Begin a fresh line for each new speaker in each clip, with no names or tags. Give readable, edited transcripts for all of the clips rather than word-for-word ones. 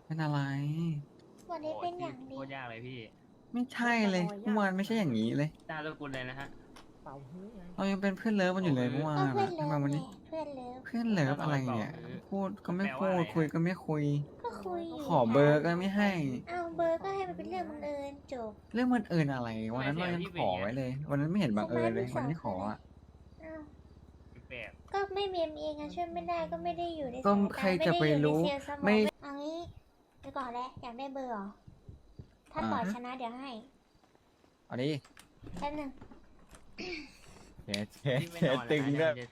เป็นอะไร
วันนี้เป็นอย่าง
โค
ดี
ตรยากเลยพี่
ไม่ใช่เลยเมื่อวานไม่ใช่อย่างนี้เลย
ตามสกุลเลยนะฮะ
เป่าฮื้อไง
เรายังเป็นเพื่อนเลิฟกันอยู่เลยเมื่อวา
ก็
น
เพื่อ
อะทำไมวัน
นเลิฟไง
นี้
เพื่อนเลิฟ
เพื่อนเลิฟอะไร
เป่า
เนี่ย
ฮื้อ
พูดก็ไม่
แปล
พู
ว่าอะ
ด
ไร
คุย
ฮะ
ก็ไม่คุย
ก็คุยอยู่
ขอเบอร์ก็ไม่ให้
เอาเบอร์ก็ให้มันเป็นเรื่องบังเอิญจบ
เรื่องมันเอิญอะไรวันนั้นเรายังขอไว้เลย วันนั้นไม่เห็นบังเอิญเลยวันที่ขออ่ะ
อ้าว
แปลก
ก็ไม่เมมเองอะช่วยไม่ได้ก็ไม่ได้อยู่ใน
ก็
สาย
ใคร
ตา
จะไป
ม่ด้อยู่ใน
รู้
เซลล์สมอง
ไม่
เอางี้ไปก่อนแล้วอยากได้เบอร์เหรอถ้าต่อชนะเดี๋ยวให้
เอาดิ
แป๊บนึง
เจ๊
ๆพี่ไม่นอน
ตึง
แล้ว
ด้วย
นะ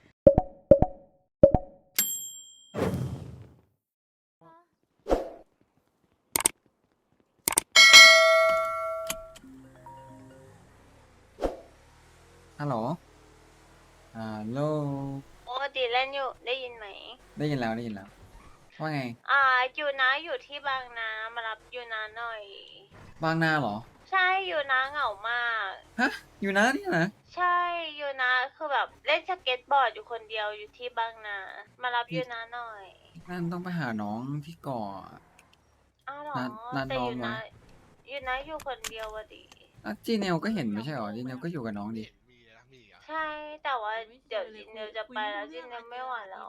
ฮัลโหลฮัลโหล
ปกติเล่นอยู่ได้ยินไหม
ได้ยินแล้วได้ยินแล้ว ว่าไง
อยู่นะอยู่ที่บางนามารับอยู่นะหน่อย
บางนาเหรอ
ใช่อยู่นะเหงามาก
ฮะ อยู่นะนี่นะ
ใช่อยู่นะคือแบบเล่นสเก็ตบอร์ดอยู่คนเดียวอยู่ที่บางนา มารับอยู่นะหน่อย
นั่นต้องไปหาน้องที่ก่อ
อ้าวเหรอ
นัด
แต่
น้อง
อยู่
ไว้
นะอยู่นะอยู่คนเดียววะดิ
อ่ะจีเนลก็เห็นไม่ใช่หรอจีเนลก็อยู่กับน้องดิ
ใช่แต่ว่าเดี๋ยวจินเนลจะไปแล้วจินเนลไม่ไหวแล้ว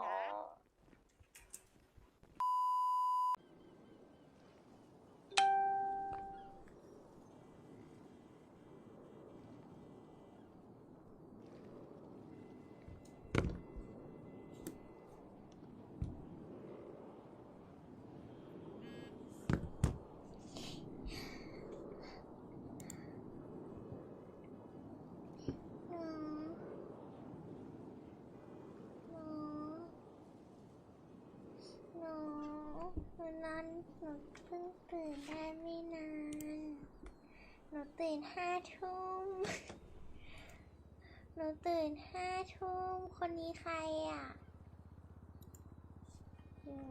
หนูหนูวันนั้นหนูเพิ่งตื่นได้ไม่นาน หนูตื่น5 ทุ่ม หนูตื่น5 ทุ่ม คนนี้ใครอ่ะอยู่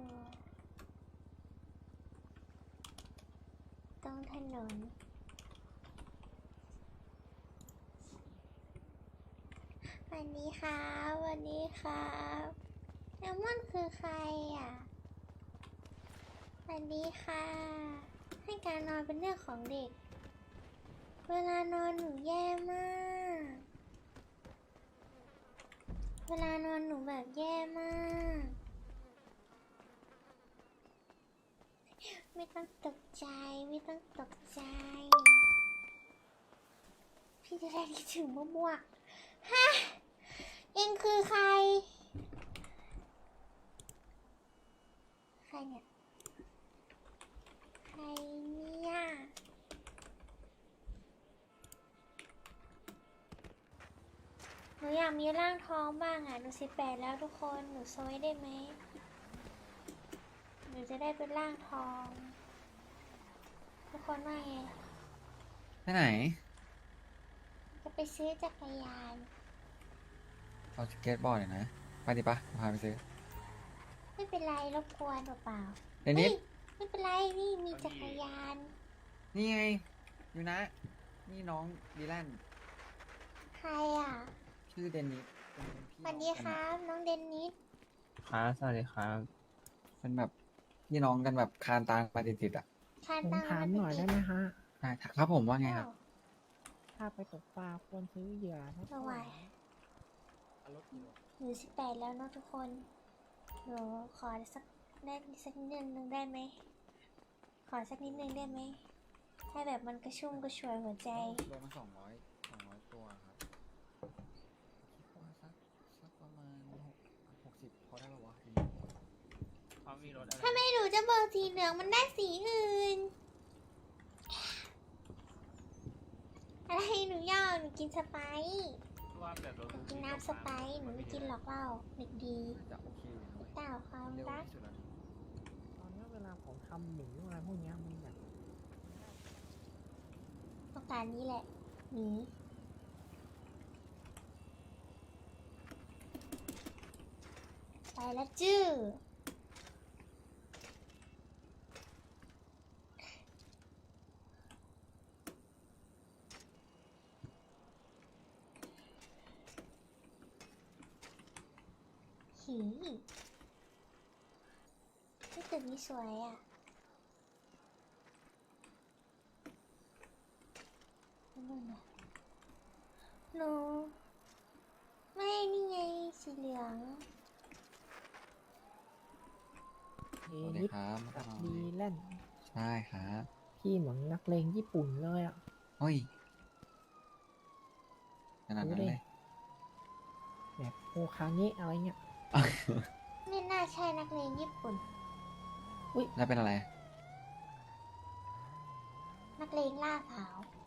ตรงถนน วันนี้ครับวันนี้ครับแล้วมันคือใครอ่ะวันนี้ค่ะ ให้การนอนเป็นเรื่องของเด็ก เวลานอนหนูแย่มาก เวลานอนหนูแบบแย่มาก ไม่ต้องตกใจไม่ต้องตกใจ พี่จะได้คิดถึงมั่วๆฮะเอ็งคือใคร ใครเนี่ย ใครเนี่ย หนูอยากมีร่างท้องบ้างอ่ะ หนู18แล้วทุกคน หนูโซยได้ไหม หนูจะได้เป็นร่างทอง ทุกคนว่าไง
ไปไหน
จะไปซื้อจักรยาน
เอาสเก็ตบอร์ดหน่อยนะ ไปดิปะพาไปซื้อ
ไม่เป็นไรรบกวนเปล่า
เดนิส
ไม่เป็นไรนี่มีจักรยาน
นี่ไง อยู่นะ นี่น้องดีแลน
ใครอ่ะ
ชื่อเดนิสเป็นพี่
สวัสดีครับ น้องเดนนิส
ครับสวัสดีครับ
เป็นแบบพี่น้องกันแบบคานตามมาติดๆอ่ะ
คาน
ผม
ตัง
ถามหน่อยได้ไหมฮะ
ใช่ครับผมว่าไงครับ
ถ้าไปตกปลาควรซื้อเหยื่อเท่า
ระห
ไห
ว่า
ร่
หนู18แล้วเนาะทุกคน หนูขอสักได้สักนิดนึงได้ไหม ขอสักนิดนึงได้ไหม ให้แบบมันกระชุ่มกระชวยหัวใจ
โลมา200ตัวครับคิดว่าสักประมาณ60พอได้ปะวะ
เขามีรถอะไร
ถ้าไม่หนูจะเบิกสีเหลืองมันได้สีอื่น อะไรหนูย่อหนูกินสไปซ์
ว่าแบบรถ
หนูกินน้ำสไปซ์หนูไม่กินหรอกเหล้าเด็กดี
น่าจะโอเคอยู่นะ
เต่าความ
เร็ว
รัก
ที่สุดแล้ว
ตอนนี้เวลาผมทำหมูอะไรพวกเนี้ยมันแบบ
ต้องการนี้แหละหนีไปแล้วจื้อหีที่ตึกนี้สวยอ่ะหนูไม่นี่ไงสีเหลือง
เอ
สวัสดี
นิด
ครับ
กับดีแลนด์
ใช่ครับ
พี่เหมือนนักเลงญี่ปุ่นเลยอ่ะ
เฮ้ยขนาดนั้นเลย
แบบโอคาเงะอะไรเงี้ย
ไม่น่าใช่นักเรียนญี่ปุ่น
แล้วเป็นอะไร
นักเลงล่าขาว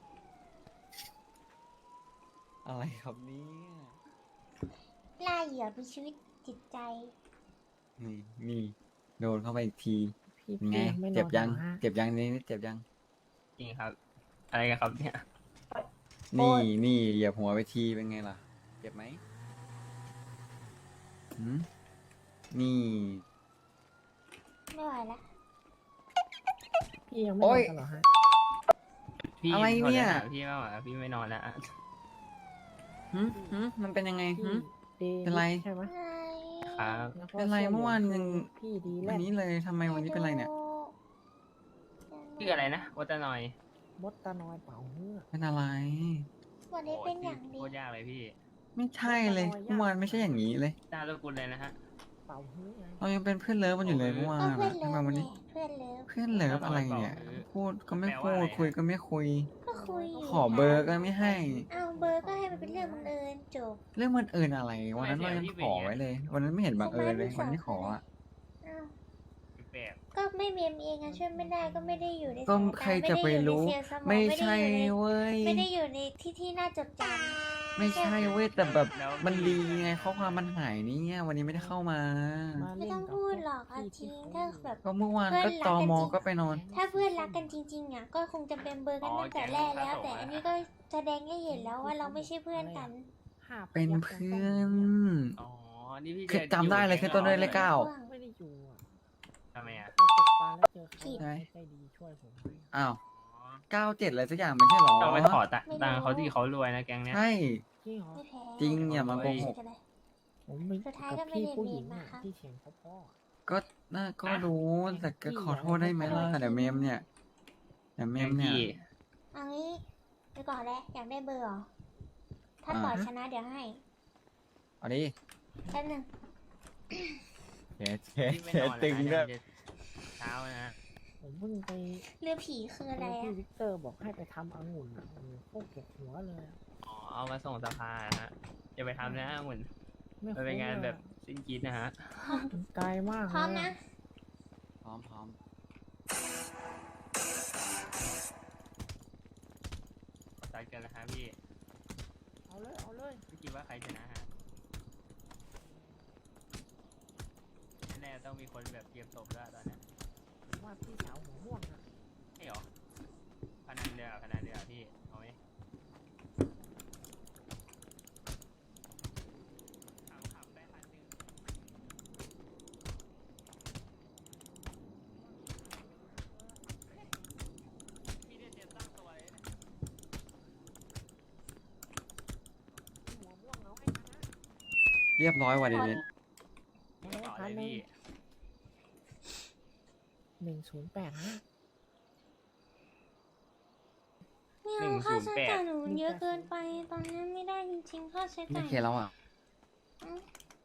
อะไรครับเนี่ย
ล่าเหยื่อมีชีวิตจิตใจ
นี่โดนเข้าไปอีกที
พี่
เป็นไง
พี่ไม่นอน
เจ็บยัง
หรอฮะ
เจ็บยังนี่เจ็บยัง
จริงครับ อะไรกันครับเนี่ย
โอ๊
นี่
ย
เหยียบหัวไปทีเป็นไงล่ะ เจ็บไหมหืมนี่
ไม่ไหวละ
พี่ยังไม่น
โอ๊
อน
ย
กันเหรอฮะ
พี่
อะไรเนี่ย
ขอแะำพี่ไม่ไหวแล้วพี่ไม่นอนแล้วอะ
หืมมันเป็นยังไงหื
พี่
ม
เด
เป็นไร
ใช่ไหม
ไง
ครับ
แล้วก็
เป็นไร
สื้
เมื่อวานยัง
พี่ดีแล
วัน
น
นี้
ด์
เลยทำไมวันนี้เป็นไรเนี่ย
ชื่ออะไรนะวัตนอย
มดตานอยเป่าเฮือก
เป็นอะไร
วันนี้เป็นอย่าง
โค
ดี
ตรยากเลยพี่
ไม่ใช่เลยเมื่อวานไม่ใช่อย่างนี้เลย
ตาลูกกุลเลยนะฮะ
เป่าเฮือกไง
เรายังเป็นเพื่อนเลิฟกันอยู่เลยเมื่อวาน
ก็เพื่อน
อะ
เลิ
ทำไม
ฟ
วัน
ไง
นี้
เพื่อนเลิฟ
เพื่อนเลิฟอะไรเนี่ย พูดก็ไม่พูดคุยก็ไม่คุย
ก็คุยอยู่
ขอเบอร์ก็ไม่ให้
เอาเบอร์ก็ให้มันเป็นเรื่องบังเอิญจบ
เรื่องมันเอิญอะไรวันนั้นเรายังขอไว้เลย วันนั้นไม่เห็นบังเอิญเลยวันนี้ขออ่ะ
อ้าว
แปลก
ก็ไม่เมมเองอะช่วยไม่ได้ก็ไม่ได้อยู่ใน
ก็
สายตา
ใครจะไปรู้
ไม่ได้อยู่ในเซลล์สมอง
ไม่
ไม่
ใช่
ได้อยู่ใน
เว้ย
ไม่ได้อยู่ในที่น่าจดจ
ไม่ใช่เว้ยแต่แบบมันดีไงข้อความมันหายเนี่ยวันนี้ไม่ได้เข้ามา
มา
ำไม่
เล่น
ต้อง
กับ
พูด
พวก
หรอกเอา
พี่
จริง
ที่
ถ้า
เขา
แบบ
ก็เมื่อวาน
เพื่
ก็
อนรัก
ต
กัน
ม
จริง
ก็ไปนอน
ถ้าเพื่อนรักกันจริงๆอะก็คงจะเป็นเบอร์กันตั้งแต่แรกแล้ว แต่อันนี้ก็แสดงให้เห็นแล้วว่าเราไม่ใช่เพื่อนกัน
ห้า
เป็น
ยักษ์
เพื่อน
อ๋อ นี่พี่
คือจำได้เลยคือต้นด้วยเลขเก้า
ไม่ได้อยู่อ่ะ
ทำไมอ่ะ
ไปตกปลาแล้วเจอใคร
ผิด
ใจดีช่วยผมไหม
อ้าว
อ๋อ
97อะไรสักอย่างไม่ใช่หรอ
ต้องไปขอ
ไม่รู้
ตังค์เขาที่เขารวยนะแก๊งเนี้ย
ใช่
จริงเหรอ
ไม่แพ้
จริงอย่ามาโกหก
ผมไม่
สุดท้าย
กั
ก็
บ
ไม่
พี่
ได้
ผู้หญิง
เมม
อ่ะ
นะคะ
ที่เถียงพ่อ
ก็น่าก็รู้แต่ก็ขอโทษได้ไหมล่ะเดี๋ยวเมมเนี่ยเดี๋ยวเม
แก๊
ม
ง
เนี่ย
พี่
เอางี้ไปก่อนแล้วอยากได้เบอร์เหรอ ถ้าต่อชนะเดี๋ยวให้
เอาดิ
แป๊บนึง
เช็ดเช็ด
พี่ไม่
เช็
น
ด
อน
ตึง
แล้
ด้
ว
วย
เช้านะ
ผมเพิ่งไป
เรือผีคืออะไร
พี่
อะ
วิกเตอร์บอกให้ไปทำองุ่นอ่ะโอ้โหโคตรปวดหัวเลยอะ
อ๋อ เอามาส่งสภานะฮะจะไปทำนะเหมือน
ไม่
มันเป็นงานแบบสิ้นคิดนะฮะ
มันไกลมาก
พร้อม
เลย
นะ
พร้อมพร้อม
ขอตัดกันนะฮะพี่
เอาเลยเอาเลย
พี่คิดว่าใครชนะฮะแน่ๆต้องมีคนแบบเตรียมตบแล้วตอนเนี้ย
ผมว่าพี่สาวหัวม่วงอ่ะ
ใช่หรอพนันเดียวพนันเดียวพี่ เอาไหมขำๆได้1,000พี่ได้เตรียมตั้งตัวเลยนะ
หัวม่วงเอาให้ชนะ
เรียบร้อยว่ะเดน
เอา
ต่อ
พั
เล
น
ย
หนึ่ง
พี่
108ฮะ
ไม่เอาค่าใช้จ่ายหนูเยอะเกินไป ตอนนี้ไม่ได้จริงๆค่าใช้
ไม่
จ่าย
เคแล้วอ่ะ
อืม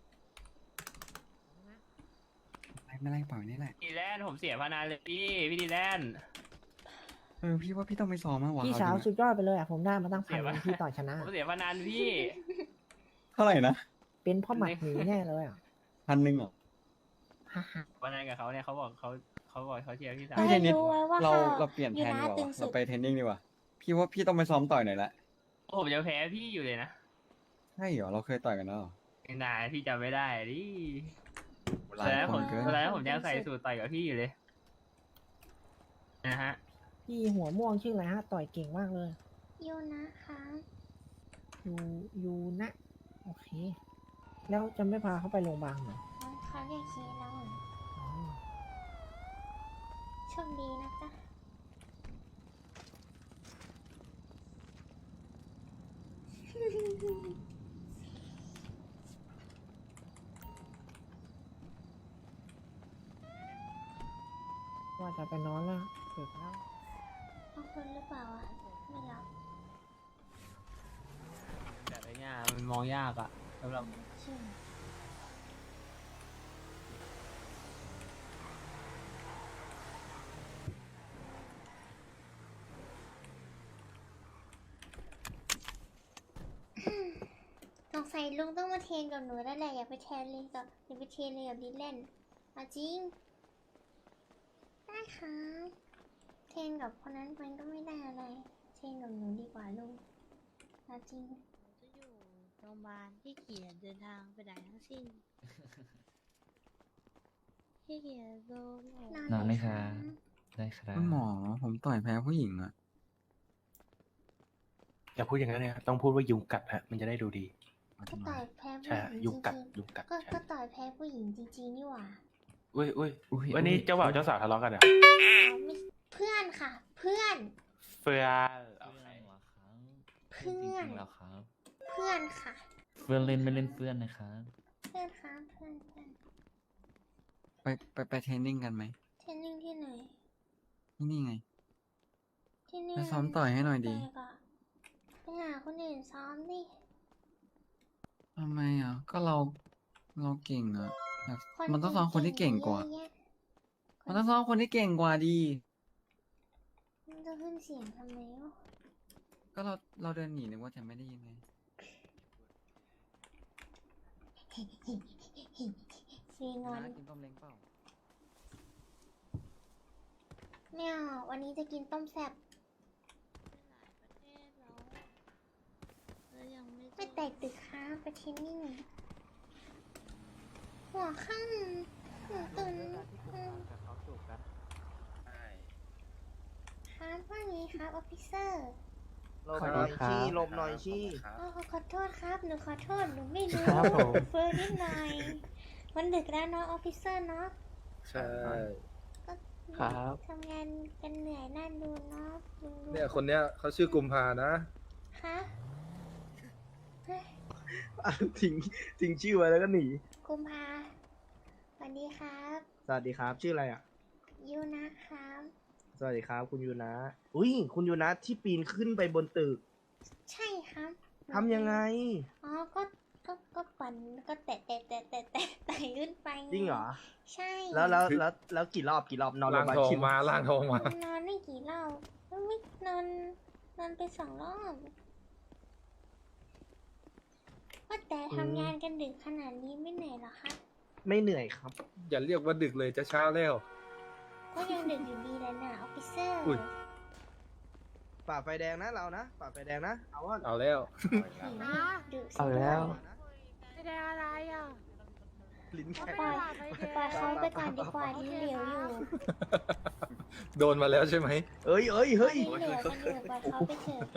ไม่ไรปล่อยนี่แหละ
ดีแลนด์ผมเสียพนันเลยพี่ดีแลนด์
พี่ว่าพี่ต้องไปซ้อมมากกว่า
พี่
เอ
สาว
จริง
สุดยอดไปเลยอ่ะผมได้มาตั้ง
เสี
พัน
ย
ห
ปะ
นึ่งพี่ต่อชนะ
ผมเสียพนันพี่
เท่าไหร่นะ
เป็นพ่อหมัดหมีแน่เลยอ่ะ
1,000เหรอ
ฮ่าฮ่า
พนันกับเขาเนี่ยเขาบอกเขาเชียร์พี่สาว
ไม่ใช่นิด
รู้ไว้ว่า
เรา
ค่ะ
เราเปลี่ยนแทนดีกว่า
อยู่นะตึง
วะ
สุด
เราไปเทรนนิ่งดีกว่าพี่ว่าพี่ต้องไปซ้อมต่อยหน่อยละ
ผมจะแพ้พี่อยู่เลยนะ
ใช่เหรอเราเคยต่อยกันแล้วเหรอ
นายพี่จำไม่ได้ดิ
หลา
ตอน
ย
นั้น
ค
ผม
นเกิน
ตอนนั้นผมยังใส่สูตรต่อยกับพี่อยู่เลยนะฮะ
พี่หัวม่วงชื่ออะไรฮะ ต่อยเก่งมากเลย
ยูนะคะ
ยูนะ โอเค แล้วจะไม่พาเขาไปโรงพยาบาลเหรอ
เขาเรียกคีแล้ว
อ๋อ
โชคดีนะจ๊ะ
ว่าจะไปนอนแล้วดึกแล้ว
เอาคนหรือเปล่าอ่ะ ไม่รับ
แต่ไอ้เนี่ยมันมองยากอะสำหรับ
ใช่สงสัยลุงต้องมาเทรนกับหนูแล้วแหละอย่าไปเทรนเลยกับอย่าไปเทรนเลยกับดิแลนเอาจริงได้ครับเทรนกับคนนั้นมันก็ไม่ได้อะไรเทรนกับหนูดีกว่าลุงเอาจริง
จะอยู่โรงพยาบาลที่เกียจเดินทางไปไหนทั้งสิ้นที่เกียจโดนโอ้
นอนไหมคะ
ได้ครับ
คุณหมอผมต่อยแพ้ผู้หญิงอะ
อย่าพูดอย่างนั้นเลยครับต้องพูดว่ายุงกัดฮะ มันจะได้ดูดี
ก็ต่อยแพ้ผู้
ใช่
ห
ฮะ
ญิง
ยุงกัด
จริง
ยุงกัด
ๆก็
ใช่
ก็ต่อยแพ้ผู้หญิงจริงๆนี่หว่า
อุ้ยอุ้ย
อุ้ย
วันนี้
อุ้ย
เจ้าบ่าวเจ้าสาวทะเลาะกันเหรอ
อ๋อไม่เพื่อนค่ะ เพื่อน
เฟื่อนโอ
เพื่อน
เค
เหรอครับ
เพื่อน
จริงๆแล้วครับ
เพื่อนค่ะ
เพื่อนเล่นไม่เล่นเพื่อนนะครับ
เพื่อนครับเพื่อนเพื่อน
ไปเทรนนิ่งกันไหม
เทรนนิ่งที่ไหน
ที่นี่ไง
ที่นี่
ไปซ้อมต่อยให้หน่อยดี
ไปก่อนไปหาคนอื่นซ้อมดิ
ทำไมอ่ะ ก็เราเก่งอ่ะอยาก
คน
มันต้องซ้อมคนที่เก่งกว่า
เยอะแยะ
มันต้องซ้อมคนที่เก่งกว่าดี
มันจะขึ้นเสียงทำไมวะ
ก็เราเดินหนีนึกว่าจะไม่ได้ยินไง
ฟีงอน
นะกินต้มเล้งเปล่า
ไม่เอาวันนี้จะกินต้มแซ่บ
ไปหลายประเทศแล้วยังไม่
ไม่แตกตึกค้าไปเทรนนิ่งหัวข้างหัวตุนครับว่าไงครับออฟฟิเซอร์
หลบหน่อยชี้หลบหน่อยชี้
ขอโทษครับหนูขอโทษหนูไม่รู้
ครับผม
เฟิร์นิดหน่อยมันดึกแล้วเนาะออฟฟิเซอร์เนาะ
ใช่
ก็
ครับ
ทำงานกันเหนื่อยน่าดูเนาะลุงดู
เนี่ยคนเนี้ยเขาชื่อกุมภานะ
คะเฮ้ย
ทิ้งชื่อไว้แล้วก็หนี
กุมภาสวัสดีครับ
สวัสดีครับ ชื่ออะไรอ่ะ
ยูนะครับ
สวัสดีครับ คุณยูนะอุ้ยคุณยูนะที่ปีนขึ้นไปบนตึก
ใช่ครับ
ทำยังไง
อ๋อก็ปั่นก็แตะขึ้นไปไ
จริงเหรอ
ใช่
แล้วกี่รอบนอนโร
ล่าง
พยาบาล
ทอง
กี่
มาล่างทองมา
นอนไม่กี่รอบไม่นอนไป2 รอบว่าแต่ทำงานกันดึกขนาดนี้ไม่เหนื่อยเหรอคะ
ไม่เหนื่อยครับ
อย่าเรียกว่าดึกเลยจะเช้าแล้ว
ก็ยังดึกอยู่ดีเลยนะออฟฟิเซอร์
อุ้ย
ฝ่าไฟแดงนะเรานะ ฝ่าไฟแดงนะ เอาว่า
เอาแล้ว
ดึกสิ
เอาแล้ว
ไม่ได้อะไรอ่ะ
ลิ้น
ป
แข็ง
ล่อยเขาไปก่อนดีกว่าที่เหลวอยู่
โดนมาแล้วใช่ไหม
เฮ้ย
ที่เหลวกันอยู่ปล่อยเขาไปเถอะ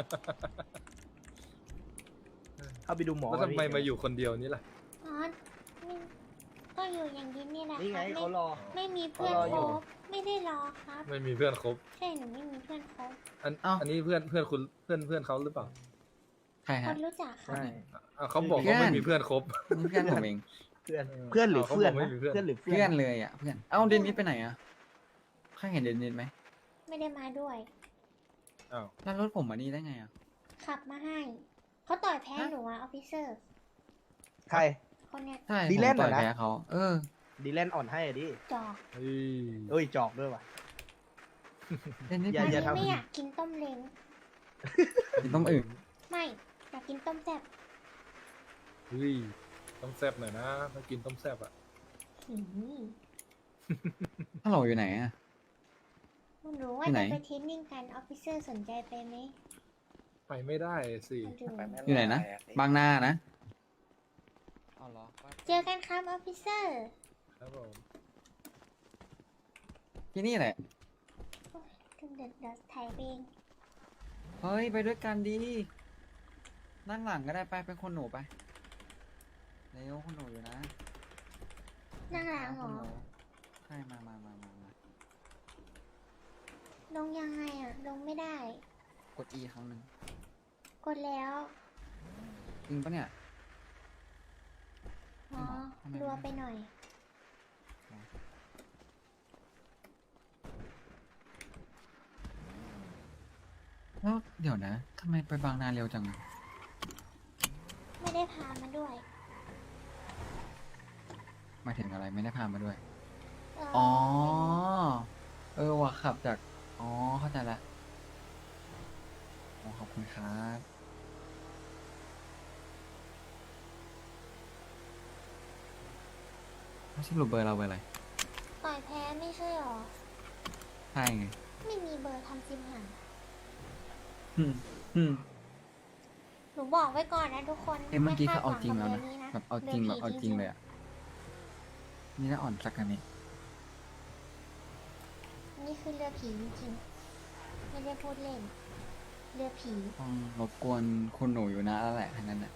เข้าไปดูหมอ
แล้วทำไมมาอยู่คนเดียวนี่ล่ะ
อ๋อก็อยู่อย่างนี้นี่แหละ
นี่ไง
ครับ
เขารอ
ไม่มีเพื่อน
เขารอ
ค
อยู่
บไม่ได้รอครับ
ไม่มีเพื่อนครบ
ใช่หนูไม่มีเพื่อนคบ
อันนี้เพื่อนคุณเพื่อนเขาหรือเปล่า
ใคร
ค
ฮะ
นรู้จักครับ
ใช่
อ่ะเขาบอกว่าไม่มีเพื่อนครบ
นี่เพื่อนผมเอง
เพื่อนหรือ
เขา
เพื่อน
บอกไม่
นะ
มีเพื่อน
เพื่อนหรือเพื่
เพื่
อ
อน นเลยอ่ะเพื่อน เอ้าเดนนิสไปไหนอ่ะใครเห็นเดนนิสไหม
ไม่ได้มาด้วย
อ้าว
แล้วรถผมมานี่ได้ไงอ่ะ
ขับมาให้เขาต่อยแพ้หนูอะออฟฟิเซอร์
ใคร
คนเนี้ย
ใช่
ดี
ผม
แลนด์
ต่อย
เหรอนะ
แพ้เขา
ดีแลนอ่อนให้อะดิ
จอก
เฮ้ย
เอ้ยจอกด้วยว่ะ
เดนนิส
อย่า
วัน
อย่า
นี้
ทำ
ไม่อยากกินต้มเล้ง
กินต้มอื่น
ไม่อยากกินต้มแซ่บ
เฮ้ยต้องแซบหน่อยนะถ้ากินต้มแซบอ่ะ
หืม
ถ้าเราอยู่ไหนอ่ะ
หนูว่า
ที่ไหน
จะไปเทรนนิ่งกันออฟฟิเซอร์สนใจไปไหม
ไปไม่ได้สิ
มาดู
อยู่ไหนนะ บางนานะเอาเหรอ
เจอกันครับออฟฟิเซอร์
ครับผม
ที่นี่แหละ
ถึงเดี๋ยวถ่ายเอง
เฮ้ย ไปด้วยกันดี นั่งหลังก็ได้ไปเป็นคนหนูไป เร็วคนหนูอยู่นะ
นั่งหลังเหร
ค
อน
หนูใช่มา
ลงยังไงอะลงไม่ได้
กด E ครั้งหนึ่ง
กดแล้ว
จริงปะเนี่ย
อ๋อ
ทำไม
รัวไปหน่อย
แล้วเดี๋ยวนะทำไมไปบางนาเร็วจังอะ
ไม่ได้พามาด้วย
หมายถึงอะไรไม่ได้พามาด้วย
เออ
อ๋อ เออว่ะขับจาก อ๋อ เข้าใจละอ๋อขอบคุณครับสรุปเบอร์เราเบอร์อะไร
ต่อยแพ้ไม่ใช่หรอ
ใช่ไง
ไม่มีเบอร์ทำซิมหาย
อืมอืม
หนูบอกไว้ก่อนนะทุกคน
เอ้ยเมื่อกี้
ไค
เขา
ด
เอา
หวั
จริงแล้ว
กั
นะ
บนี้
แบบเอาจริงแบบเอาจริงเลยอ่ะ นี่น่าอ่อนสักกันนี้
นี่คือเรือผีจริงๆไม่ได้พูดเล่น เรือผี
ต้องรบกวนคุณหนูอยู่นะแล้วแหละทั้งนั้นน่ะ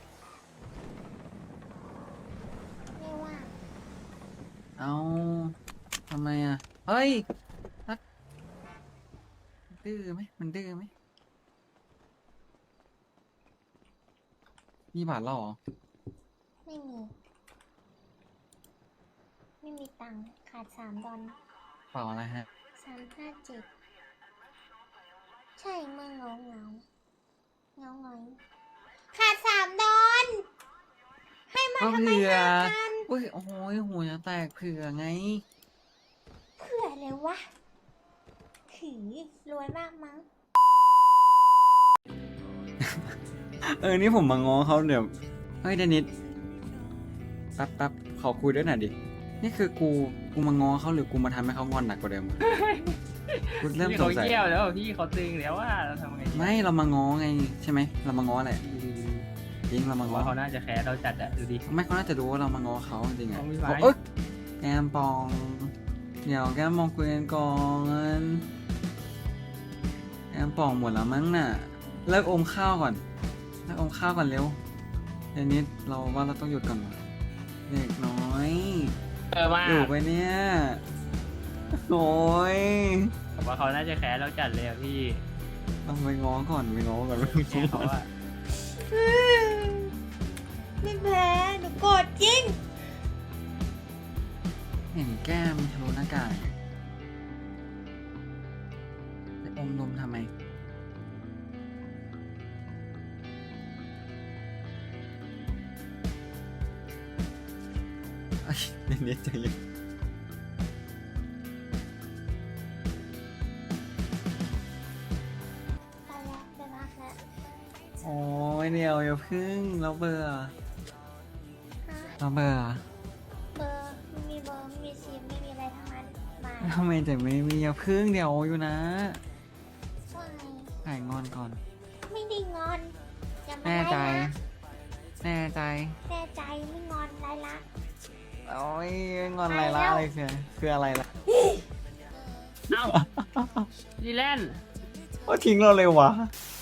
ไม่ว่าง
เอาทำไมอ่ะ เฮ้ยนักดื้อไหมมันดื้อไหมมีบาทแล้วเหรอ
ไม่มี ไม่มีตังค์ขาด$3
เปล่าอะไรฮะ
357ใช่เมืองเงาเงาเงาเงาขาด$3ให้มา
ก็
ทำไม
เผื่อ
5,000
อุ้ยโอ้ยหัวจะแตกเผื่อไง
เผื่อเลยวะขือรวยมากมั้ง
นี่ผมมาง้อเขาเดี๋ยว เฮ้ยเดนิสแป๊บขอคุยด้วยหน่อยดิ นี่คือกูมาง้อเขาหรือกูมาทำให้เขางอนหนักกว่าเดิมอะกูเริ่ม
พี่
ส
เขา
งสัย
เยี่ยวแล้วพี่เขาตึงแล้วว่าเราทำไงดี
ไม่เรามาง้อไงใช่ไหมเรามาง้อแหละจริงเรามาง้อ
ว่าเขาน่าจะแคร์เราจัดอะดูดิ
ไม่เขาน่าจะรู้ว่าเรามาง้อเขาจริงๆอะ
เขามีไม้
เอ้ยแก้มปอง เดี๋ยวแก้มมองคุยกันก่อนแก้มปองหมดแล้วมั้งน่ะ เลิกอมข้าวก่อนเลิกอมข้าวก่อนเร็วเดี๋ยวนี้เราว่าเราต้องหยุดก่อนว่ะเด็กน้อย
มาก
อยู่ไปเนี่ยโอ้ย
ผมว่าเขาน่าจะแคร์เราจัดเลยอะพี่
ต้องไปง้อก่อนไปง้อก่อน
แคร์เขาอะ
ไม่แพ้หนูโกรธจริง
เห็นแก้มทะลุหน้ากากไปอมนมทำไมเอ้ยเด็กๆใจเย็น
ไปแล้วไปพักแล้ว
โอ้ยเดี๋ยวอย่าพึ่งเราเบื่อ
ฮะ
เราเบื่อ
เบอร์ไม่มีเบอร์ไม่มีซิมไม่มีอะไรทั้งนั้นมา
ทำไมจะไม่มีอย่าพึ่งเดี๋ยวอยู่นะ
ว่าไง
หายงอนก่อน
ไม่ได้งอนอย่ามา
แน่ใจ
ไล่ละ
แน่ใจ
แน่ใจไม่งอนไล่ละ
โอ้ยงอนอะไรละอะไรคืออะไรละ
เอ้าดีแลนด์
โอ้ทิ้งเราเลยวะ
ไ